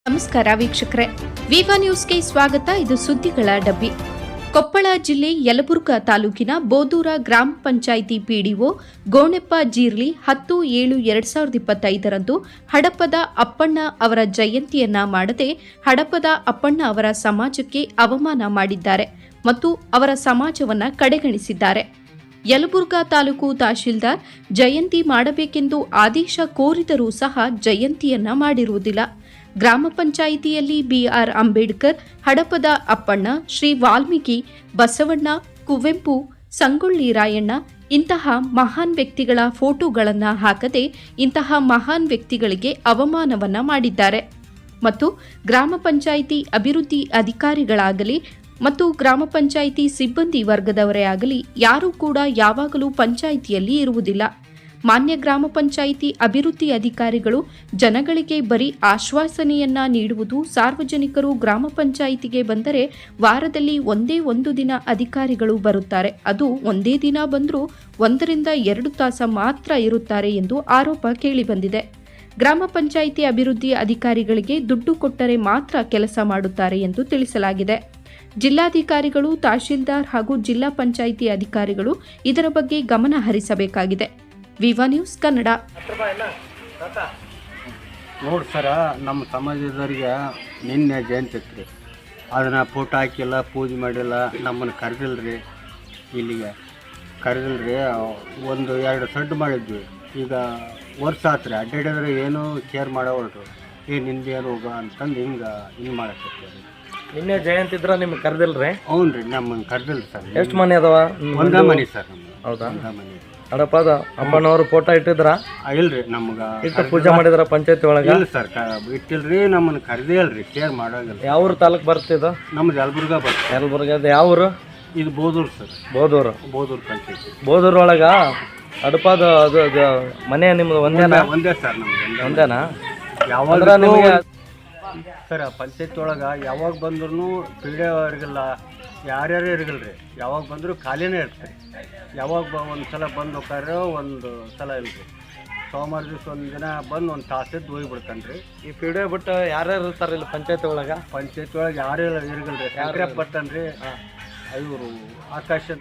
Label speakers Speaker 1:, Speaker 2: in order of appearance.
Speaker 1: ನಮಸ್ಕಾರ ವೀಕ್ಷಕರೇ, ವಿವಾ ನ್ಯೂಸ್ಗೆ ಸ್ವಾಗತ. ಇದು ಸುದ್ದಿಗಳ ಡಬ್ಬಿ. ಕೊಪ್ಪಳ ಜಿಲ್ಲೆ ಯಲಬುರ್ಗಾ ತಾಲೂಕಿನ ಬೋದೂರ ಗ್ರಾಮ ಪಂಚಾಯಿತಿ ಪಿಡಿಒ ಗೋಣೆಪ್ಪ ಜೀರ್ಲಿ 10/7/2025 ಹಡಪದ ಅಪ್ಪಣ್ಣ ಅವರ ಜಯಂತಿಯನ್ನ ಮಾಡದೆ ಹಡಪದ ಅಪ್ಪಣ್ಣ ಅವರ ಸಮಾಜಕ್ಕೆ ಅವಮಾನ ಮಾಡಿದ್ದಾರೆ ಮತ್ತು ಅವರ ಸಮಾಜವನ್ನ ಕಡೆಗಣಿಸಿದ್ದಾರೆ. ಯಲಬುರ್ಗಾ ತಾಲೂಕು ತಹಶೀಲ್ದಾರ್ ಜಯಂತಿ ಮಾಡಬೇಕೆಂದು ಆದೇಶ ಕೋರಿದರೂ ಸಹ ಜಯಂತಿಯನ್ನ ಮಾಡಿರುವುದಿಲ್ಲ. ಗ್ರಾಮ ಪಂಚಾಯಿತಿಯಲ್ಲಿ ಬಿಆರ್ ಅಂಬೇಡ್ಕರ್, ಹಡಪದ ಅಪ್ಪಣ್ಣ, ಶ್ರೀ ವಾಲ್ಮೀಕಿ, ಬಸವಣ್ಣ, ಕುವೆಂಪು, ಸಂಗೊಳ್ಳಿ ರಾಯಣ್ಣ ಇಂತಹ ಮಹಾನ್ ವ್ಯಕ್ತಿಗಳ ಫೋಟೋಗಳನ್ನು ಹಾಕದೆ ಇಂತಹ ಮಹಾನ್ ವ್ಯಕ್ತಿಗಳಿಗೆ ಅವಮಾನವನ್ನ ಮಾಡಿದ್ದಾರೆ ಮತ್ತು ಗ್ರಾಮ ಪಂಚಾಯಿತಿ ಅಭಿವೃದ್ಧಿ ಅಧಿಕಾರಿಗಳಾಗಲಿ ಮತ್ತು ಗ್ರಾಮ ಪಂಚಾಯಿತಿ ಸಿಬ್ಬಂದಿ ವರ್ಗದವರೇ ಆಗಲಿ ಯಾರೂ ಕೂಡ ಯಾವಾಗಲೂ ಪಂಚಾಯಿತಿಯಲ್ಲಿ ಇರುವುದಿಲ್ಲ. ಮಾನ್ಯ ಗ್ರಾಮ ಪಂಚಾಯಿತಿ ಅಭಿವೃದ್ಧಿ ಅಧಿಕಾರಿಗಳು ಜನಗಳಿಗೆ ಬರೀ ಆಶ್ವಾಸನೆಯನ್ನ ನೀಡುವುದು. ಸಾರ್ವಜನಿಕರು ಗ್ರಾಮ ಪಂಚಾಯಿತಿಗೆ ಬಂದರೆ ವಾರದಲ್ಲಿ ಒಂದೇ ಒಂದು ದಿನ ಅಧಿಕಾರಿಗಳು ಬರುತ್ತಾರೆ. ಅದು ಒಂದೇ ದಿನ ಬಂದರೂ 1 ರಿಂದ 2 ತಾಸು ಮಾತ್ರ ಇರುತ್ತಾರೆ ಎಂದು ಆರೋಪ ಕೇಳಿಬಂದಿದೆ. ಗ್ರಾಮ ಪಂಚಾಯಿತಿ ಅಭಿವೃದ್ಧಿ ಅಧಿಕಾರಿಗಳಿಗೆ ದುಡ್ಡು ಕೊಟ್ಟರೆ ಮಾತ್ರ ಕೆಲಸ ಮಾಡುತ್ತಾರೆ ಎಂದು ತಿಳಿಸಲಾಗಿದೆ. ಜಿಲ್ಲಾಧಿಕಾರಿಗಳು, ತಹಶೀಲ್ದಾರ್ ಹಾಗೂ ಜಿಲ್ಲಾ ಪಂಚಾಯಿತಿ ಅಧಿಕಾರಿಗಳು ಇದರ ಬಗ್ಗೆ ಗಮನ ಹರಿಸಬೇಕಾಗಿದೆ. ವಿವಾ ನ್ಯೂಸ್ ಕನ್ನಡ.
Speaker 2: ನೋಡಿ ಸರ, ನಮ್ಮ ಸಮಾಜದವ್ರಿಗೆ ನಿನ್ನೆ ಜಯಂತಿ ಇತ್ತು ರೀ. ಅದನ್ನು ಫೋಟೋ ಹಾಕಿಲ್ಲ, ಪೂಜೆ ಮಾಡಿಲ್ಲ, ನಮ್ಮನ್ನು ಕರೆದಿಲ್ರಿ. ಇಲ್ಲಿಗೆ ಕರೆದಿಲ್ರಿ. 1-2 ಸಡ್ಡು ಮಾಡಿದ್ವಿ. ಈಗ ವರ್ಷ ಆತ್ರಿ ಅಡ್ಡಾಡಿದ್ರೆ ಏನೂ ಕೇರ್ ಮಾಡೋವಲ್ರು. ನಿಂದು ಏನು ಹೋಗ ಅಂತಂದು ಹಿಂಗೆ ಮಾಡಕತ್ತೀವಿ.
Speaker 3: ನಿನ್ನೆ ಜಯಂತಿ ಇದ್ರೆ ನಿಮ್ಗೆ ಕರೆದಿಲ್ರಿ?
Speaker 2: ಹ್ಞೂ ರೀ, ನಮ್ಮನ್ನು ಕರೆದಿಲ್ಲ ಸರ್.
Speaker 3: ಎಷ್ಟು ಮನೆ ಅದಾವ?
Speaker 2: ಒಂದೇ ಮನೆ ಸರ್.
Speaker 3: ಹೌದಾ?
Speaker 2: ಒಂದೇ ಮನೆ.
Speaker 3: ಹಡಪದ ಅಪ್ಪನವರು ಫೋಟೋ ಇಟ್ಟಿದ್ರ?
Speaker 2: ಇಲ್ರಿ, ನಮ್ಗೆ
Speaker 3: ಇಟ್ಟು ಪೂಜೆ ಮಾಡಿದ್ರ ಪಂಚಾಯತಿ ಒಳಗೆ?
Speaker 2: ಇಲ್ಲ ಸರ್, ಇಟ್ಟಿಲ್ರಿ. ನಮ್ಮನ್ನು ಕರೆದೇ ಇಲ್ರಿ, ಕೇರ್ ಮಾಡೋಂಗಿಲ್ಲ.
Speaker 3: ಯಾವ ತಾಲೂಕು ಬರ್ತಿದ್ದು?
Speaker 2: ನಮ್ದು ಯಲಬುರ್ಗಾ ಬರ್ತದೆ.
Speaker 3: ಯಲಬುರ್ಗದ ಯಾವ ಊರು?
Speaker 2: ಇದು ಬೋದೂರು ಸರ್.
Speaker 3: ಬೋದೂರು
Speaker 2: ಪಂಚಾಯತಿ.
Speaker 3: ಬೋದೂರು ಒಳಗ ಹಡಪದ ಅದು ಮನೆ ನಿಮ್ದು ಒಂದೇನಾ?
Speaker 2: ಒಂದೇ ಸರ್, ನಮ್ದು
Speaker 3: ಒಂದೇನಾ?
Speaker 2: ಯಾವಾಗ
Speaker 3: ನಿಮಗೆ
Speaker 2: ಸರ್ ಪಂಚಾಯತಿ ಒಳಗೆ ಯಾವಾಗ ಬಂದ್ರೂ ಪೀಡೆಯವರಿಗೆಲ್ಲ ಯಾರ್ಯಾರು ಇರಗಲ್ರಿ. ಯಾವಾಗ ಬಂದರೂ ಖಾಲಿನೇ ಇರ್ತಾರೆ. ಯಾವಾಗ ಒಂದು ಸಲ ಬಂದು ಹೋಗ್ತಾರೆ, ಒಂದು ಸಲ ಇಲ್ರಿ. ಸೋಮವಾರ ದಿವಸ ಒಂದು ದಿನ ಬಂದು ಒಂದು ತಾಸಿದ್ದು ಹೋಗಿಬಿಡ್ತಾನೆ ರೀ.
Speaker 3: ಈ ಪಿಡಿಒ ಬಿಟ್ಟು ಯಾರ್ಯಾರು ಇರ್ತಾರೆ ಇಲ್ಲಿ ಪಂಚಾಯತಿ ಒಳಗೆ?
Speaker 2: ಪಂಚಾಯತಿ ಒಳಗೆ ಯಾರು ಇರಗಲ್ರಿ. ಯಾರೇ ಬರ್ತಾನೆ ರೀ. ಇವರು ಆಕಾಶ